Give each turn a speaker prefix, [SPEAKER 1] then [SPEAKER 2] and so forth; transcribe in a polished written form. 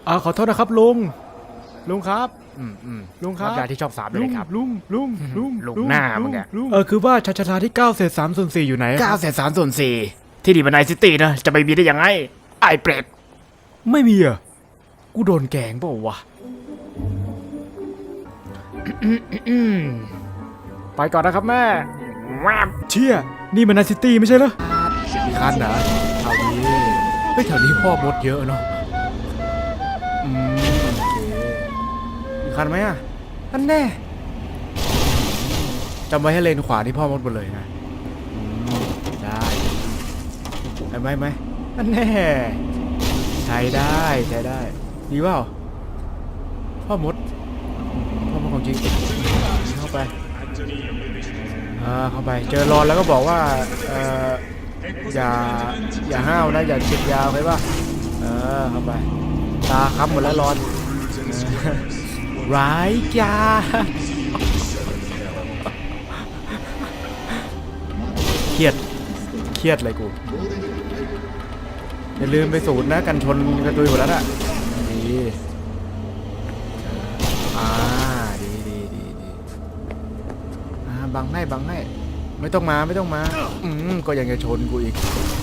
[SPEAKER 1] ขอโทษนะครับลุงครับลุงครับ
[SPEAKER 2] ยาที่ชอบสามเลยครับ
[SPEAKER 1] ลุง
[SPEAKER 2] ลุงหน้ามึงอะ
[SPEAKER 1] คือว่าชาที่9 เศษ 3 ส่วน 4อยู่ไหน
[SPEAKER 2] 9/3/4ที่นี่มันไนซิตี้นะจะไปมีได้ยังไงไอ้เปรต
[SPEAKER 1] ไม่มีอ่ะกูโดนแกงเปล่าวะ ไปก่อนนะครับแม่
[SPEAKER 2] แวบ
[SPEAKER 1] เชี่ยนี่มันนาซิตี้ไม่ใช่เหรอมีคันเหรอแถวนี้เฮ้ยแถวนี้พ่อมดเยอะเนาะโอเคมีคันไหมอ่ะอันแน่จำไว้ให้เลนขวาที่พ่อมดหมดเลยนะได้ไหมอันแน่ใช้ได้ดีเปล่าพ่อมดของจริงเข้าไปเข้าไปเจอรอนแล้วก็บอกว่าอย่าห้าวนะอย่าเช็ดยาวไปป่ะเข้าไปตาค้ำหมดแล้วรอนร้ายกาเครียดเลยกูอย่าลืมไปสูตรนะกันชนกระตุยหมดแล้วอ่ะดีดีบังให้ไม่ต้องมาก็ยังจะชนกูอีก